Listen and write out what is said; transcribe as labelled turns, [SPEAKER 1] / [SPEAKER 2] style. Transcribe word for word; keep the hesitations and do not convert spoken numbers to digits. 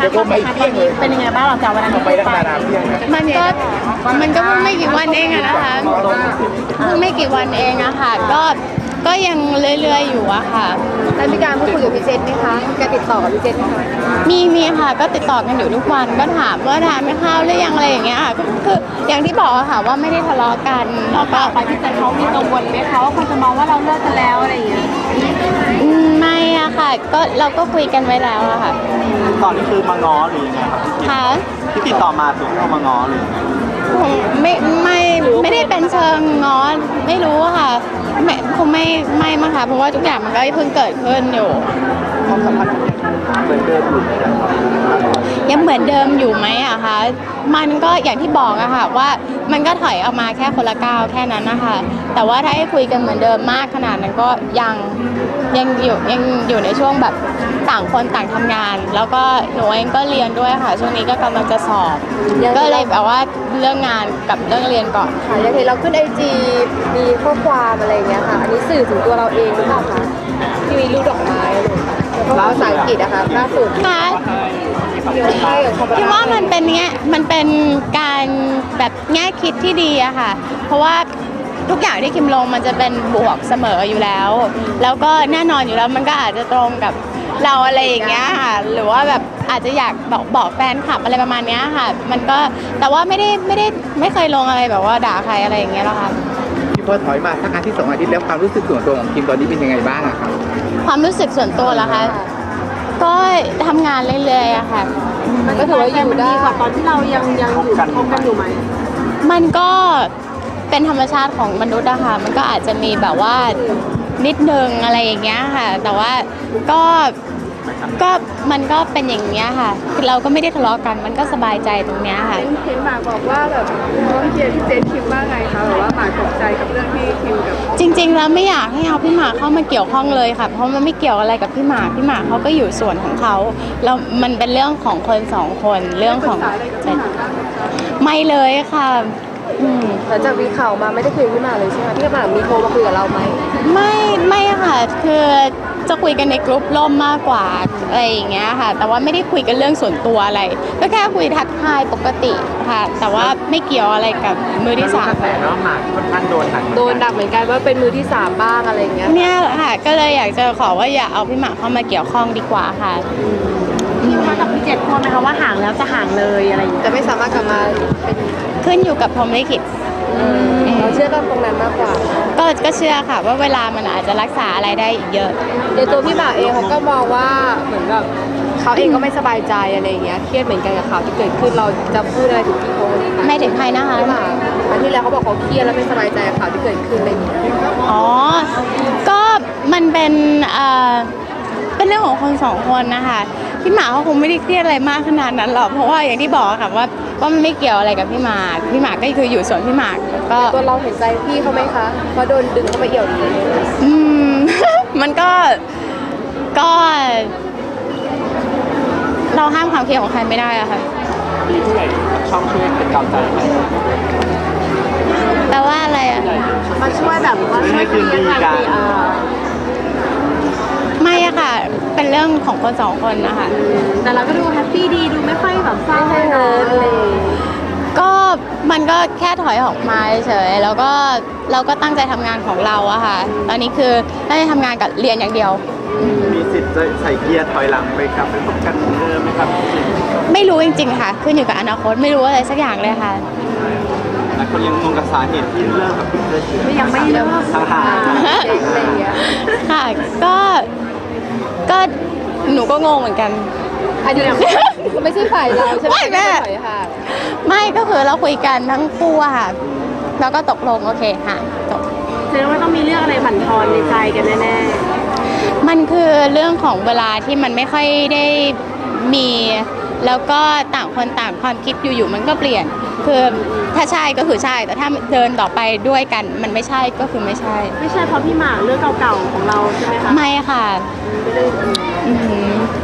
[SPEAKER 1] นะความสัมพันธ์ตอนนี้เป็นยังไงบ้างหลังจากวันนั้นที่
[SPEAKER 2] ไป
[SPEAKER 1] พูด
[SPEAKER 2] ตั้ง
[SPEAKER 1] ไป
[SPEAKER 2] นานเพียงนะ
[SPEAKER 3] มันก็มันก็เพิ่งไม่กี่วันเองอะนะคะเพิ่งไม่กี่วันเองอะค่ะก็ก็ยังเรื่อยๆอยู่อะค่ะ
[SPEAKER 4] แล้วมีการพูดคุยกับพี่เจษไหมคะการติดต่อกับพี่เจษไหมคะ
[SPEAKER 3] มีมีค่ะก็ติดต่อกันอยู่ทุกวันก็ถามว่าทานไม่ข้าวหรือยังอะไรอย่างเงี้ยค่ะก็คืออย่างที่บอกอะค่ะว่าไม่ได้ทะเลาะกันแล้วก็
[SPEAKER 1] ไปพี่เจนเขามีกังวลไหมคะว่าคนจะมองว่าเราเลิกกันแล้วอะไรอย่างเงี้ย
[SPEAKER 3] อืมไม่อะค่ะก็เราก็คุยกันไว้แล้วอะค่ะ
[SPEAKER 2] ตอนนี้คือมาง้อหรือยังไงครับ
[SPEAKER 3] ค่ะ
[SPEAKER 2] ที่ติดต่อมาถึงเข้ามาง้อหรือยังไง
[SPEAKER 3] คงไม่ไม่ไม่ได้เป็นเชิงง้อนไม่รู้อะค่ะไม่คงไม่ไม่มั้งค่ะเพราะว่าทุกอย่างมันก็เพิ่งเกิดขึ้นอยู่
[SPEAKER 2] ความสัมพันธ์เหมือนเดิมอยู่ไหมครับ
[SPEAKER 3] ยังเหมือนเดิมอยู่ไหมอะคะมันก็อย่างที่บอกอะค่ะว่ามันก็ถอยออกมาแค่คนละก้าวแค่นั้นนะคะแต่ว่าถ้าให้คุยกันเหมือนเดิมมากขนาดนั้นก็ยังยังอยู่ยังอยู่ในช่วงแบบต่างคนต่างทำงาน แล้วก็หนูเองก็เรียนด้วยค่ะช่วงนี้ก็กำลังจะสอบก็เลยแบบว่าเรื่องงานกับเรื่องเรียนก่อน
[SPEAKER 4] ค่ะอย่างเห็นเราขึ้นไอจีมีข้อความอะไรอย่างเงี้ยค่ะ อันนี้สื่อถึงตัวเราเองหรือเปล่าคะที่มีรูปดอกไม้อะไรอย่างเงี้ยแล้วภาษาอังกฤษนะคะล่าสุด
[SPEAKER 3] ค่ะ
[SPEAKER 4] ใช่กับคอม
[SPEAKER 3] คิดว่ามันเป็นเงี้ยมันเป็นการแบบแง่คิดที่ดีอะค่ะ เพราะว่าทุกอย่างที่คิมลงมันจะเป็นบวกเสมออยู่แล้ว แล้วก็แน่นอนอยู่แล้วมันก็อาจจะตรงกับเราอะไรอย่างเงี้ยค่ะหรือว่าแบบอาจจะอยากบอกบอกแฟนคลับอะไรประมาณเนี้ยค่ะ มันก็แต่ว่าไม่ได้ไม่ได้ไม่เคยลงอะไรแบบว่าด่าใครอะไรอย่างเงี้ยหรอกค่ะ
[SPEAKER 2] ที่พอถอยมาสักอาทิตย์สองอาทิตย์แล้วความรู้สึกส่วนตัวของคิมตอนนี้เป็นยังไงบ้างอะครับ
[SPEAKER 3] ความรู้สึกส่วนตัวเหรอคะก็ทำงานเรื่อยๆอะค่ะ
[SPEAKER 4] มันก็ถือว่าอยู่ได้
[SPEAKER 1] ดีกว่าตอนที่เรายังยังอยู่คบกันอยู่ไหม
[SPEAKER 3] มันก็เป็นธรรมชาติของมนุษย์อะค่ะ มันก็อาจจะมีแบบว่านิดนึงอะไรอย่างเงี้ยค่ะ แต่ว่าก็ก็มันก็เป็นอย่างเงี้ยค่ะคือเราก็ไม่ได้ทะเลาะกัน มันก็สบายใจตรงเนี้ยค่ะ
[SPEAKER 4] เห็นหมากบอกว่าแบบน้องเชียร์พี่เจษคิมว่าไงคะแบบว่าหมากตกใจกับเรื่องที่คิมกับ
[SPEAKER 3] จริงๆแล้วไม่อยากให้เอาพี่หมากเข้ามาเกี่ยวข้องเลยค่ะ เพราะมันไม่เกี่ยวอะไรกับพี่หมาก พี่หมากเขาก็อยู่ส่วนของเขาแล้วมันเป็นเรื่องของคนสองคน เรื่องของไม่เลยค่ะอืม
[SPEAKER 4] หลังจากมีข่าวมาไม่ได้คุยกับพี่หมากเลยใช่ไหมพี่หมากมีโทรมาคุยกับเราไหม
[SPEAKER 3] ไม่ไม่ค่ะคือจะคุยกันในกลุ่มล่มมากกว่าอะไรอย่างเงี้ยค่ะ แต่ว่าไม่ได้คุยกันเรื่องส่วนตัวอะไร ก็แค่คุยทักทายปกติค่ะ แต่ว่าไม่เกี่ยวอะไรกับมือที่สาม
[SPEAKER 2] แต่แล้วหมากค่อนข้างโดนหนัก
[SPEAKER 4] โดนดักเหมือนกันว่าเป็นมือที่สามบ้างอะไรอย่างเงี้ย
[SPEAKER 3] เนี่ยค่ะก็เลยอยากจะขอว่าอย่าเอาพี่หมากเข้ามาเกี่ยวข้องดีกว่าค่ะ
[SPEAKER 1] คิมคะกับพี่เจนกลัวไหมคะว่าห่างแล้วจะห่างเลยอะไรอย่างเงี้ย
[SPEAKER 4] จะไม่สามารถกลับมาเป็น
[SPEAKER 3] ขึ้นอยู่กับพรหมลิขิต
[SPEAKER 4] เราเชื่อกันตรงนั้นมากกว่า
[SPEAKER 3] ก็ก็เชื่อค่ะว่าเวลามันอาจจะรักษาอะไรได้อีกเยอะ
[SPEAKER 4] ในตัวพี่หมากเองเขาก็มองว่าเหมือนแบบเขาเองก็ไม่สบายใจอะไรอย่างเงี้ยเครียดเหมือนกันกับข่าวที่เกิดขึ้นเราจะพูดอะไรถึงพี่โค้ช
[SPEAKER 3] ไม่ถึงใครนะคะ
[SPEAKER 4] พี่หมากวันที่แล้วเขาบอกเขาเครียดแล้วไม่สบายใจกับข่าวที่เกิดขึ้นอะไรอย่างเงี้ย
[SPEAKER 3] อ๋อ ก็มันเป็นเอ่อเป็นเรื่องของคนสองคนนะคะพี่หมากเขาคงไม่ได้เครียดอะไรมากขนาดนั้นหรอกเพราะว่าอย่างที่บอกค่ะว่าว่ามันไม่เกี่ยวอะไรกับพี่หมากพี่หมากก็คืออยู่ส่วนพี่หมากก็
[SPEAKER 4] ตัวเราเห็นใจพี่เขาไหมคะเพราะโดนดึงเข้าไปเอี่ยวอย่างนี้
[SPEAKER 3] อืม มันก็ก็ เราห้ามความคิดของใครไม่ได้อะค่ะ
[SPEAKER 2] มีผู้ใหญ่ช่องช่วยเป็นกำลังใจให้
[SPEAKER 3] แปลว่าอะไรอะ
[SPEAKER 1] มาช่วยแบบว่าช่วยเคลียร์กันสิเออ
[SPEAKER 3] ไม่อะค่ะ เป็นเรื่องของคนสองคนนะคะ
[SPEAKER 1] แต่เราก็ดูแฮปปี้ดีดูไม่ค่อยแบบเศร้า
[SPEAKER 4] ไม่ใช่
[SPEAKER 1] เล
[SPEAKER 4] เฮิร์ตเลย ย
[SPEAKER 3] ก็มันก็แค่ถอยออกมาเฉยๆแล้วก็เราก็ตั้งใจทำงานของเราอะค่ะ ตอนนี้คือตั้งใจทำงานกับเรียนอย่างเดียว
[SPEAKER 2] มีสิทธิ์จะใส่เกียร์ถอยหลังไปกลับไปพบกันเหมือนเดิมไหมครับ
[SPEAKER 3] ไม่รู้จริงๆค่ะ ขึ้นอยู่กับอนาคตไม่รู้อะไรสักอย่างเลยค่ะ
[SPEAKER 2] หลายคนยังงงกับสาเหตุที่เลิกกับพี่เจษ
[SPEAKER 1] ไม่ยังไม่เลิก
[SPEAKER 2] ทางหา
[SPEAKER 4] เด็กอะไรอย่างเงี้ย
[SPEAKER 3] ค่ะ ก็ ก็หนูก็งงเหมือนกัน
[SPEAKER 4] อันนี้ไม่ใช่ฝ่ายเราใช่ไหม
[SPEAKER 3] ไม่แม่
[SPEAKER 4] ฝ่ายค่ะ
[SPEAKER 3] ไม่ก็คือเราคุยกันทั้งคู่อะค่ะ แล้วก็ตกลงโอเคค่ะจบ
[SPEAKER 1] แสดงว่าต้องมีเรื่องอะไรบั่นทอนในใจกันแน่
[SPEAKER 3] มันคือเรื่องของเวลาที่มันไม่ค่อยได้มี แล้วก็ต่างคนต่างความคิดอยู่ๆมันก็เปลี่ยน คือถ้าใช่ก็คือใช่ แต่ถ้าเดินต่อไปด้วยกันมันไม่ใช่ก็คือไม่ใช่
[SPEAKER 1] ๆไม่ใช่เพราะพี่หมากเรื่องเก่าๆของเราใช่ไหมคะ
[SPEAKER 3] ไม่ค่ะ
[SPEAKER 1] ไม่ได้
[SPEAKER 3] อือหือ